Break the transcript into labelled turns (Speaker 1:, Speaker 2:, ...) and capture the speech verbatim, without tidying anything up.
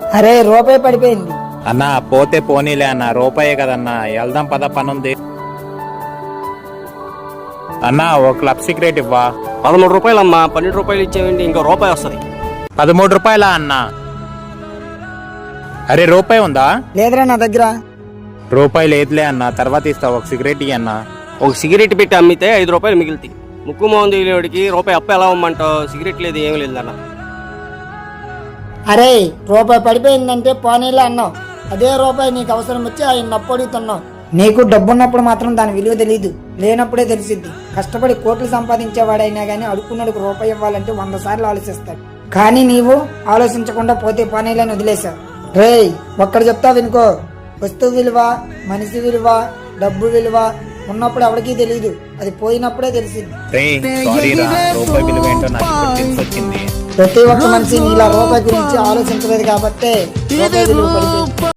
Speaker 1: అరే రూపాయి పడిపోయింది.
Speaker 2: అన్నా పోతే పోనీలే అన్న, రూపాయే కదన్నా, వెళ్దాం పద, పనుంది. అన్నా ఓ క్లబ్ సీక్రెట్ ఇవ్వా.
Speaker 3: పదమూడు రూపాయలు అమ్మా, పన్నెండు రూపాయలు ఇచ్చేయండి, ఇంకో రూపాయి వస్తుంది.
Speaker 2: పదమూడు రూపాయలా అన్నా? అరే రూపాయి ఉందా?
Speaker 1: లేదురా నా దగ్గర.
Speaker 2: రూపాయి లేదులే అన్న, తర్వాత ఇస్తావు, ఒక సిగరెట్ ఇయ్యి అన్న.
Speaker 3: ఒక సిగరెట్ పెట్టి అమ్మితే ఐదు రూపాయలు మిగులుతాయి. ముక్కు మోహన్ తెలియడికి రూపాయి అప్ప ఎలా అమ్మంటావు? సిగరెట్ లేదు, ఏమి లేదన్న.
Speaker 1: అరే రూపాయి పడిపోయిందంటే పోనీలే అన్నావు, అదే రూపాయి నీకు అవసరం వచ్చి ఆయన అప్పు అడుగుతున్నావు. నీకు డబ్బున్నప్పుడు మాత్రం దాని విలువ తెలియదు, లేనప్పుడే తెలిసిద్ది. కష్టపడి కోట్లు సంపాదించేవాడైనా గానీ అడుక్కున్నాడుకు రూపాయి ఇవ్వాలంటే వంద సార్లు ఆలోచిస్తాడు. కానీ నీవు ఆలోచించకుండా పోతే పోనీలని వదిలేశావు. రేయ్ ఒక్కడ చెప్తా వినుకో, వస్తువు విలువ, మనిషి విలువ, డబ్బు విలువ ఉన్నప్పుడు ఎవరికీ తెలియదు, అది పోయినప్పుడే తెలిసింది.
Speaker 2: రూపాయి విలువ ఏంటో నాకు తెలిసొచ్చింది.
Speaker 1: ప్రతి ఒక్క మనిషి నీలా రూపాయి గురించి ఆలోచించలేదు కాబట్టి రూపాయి విలువ పడిపోయింది.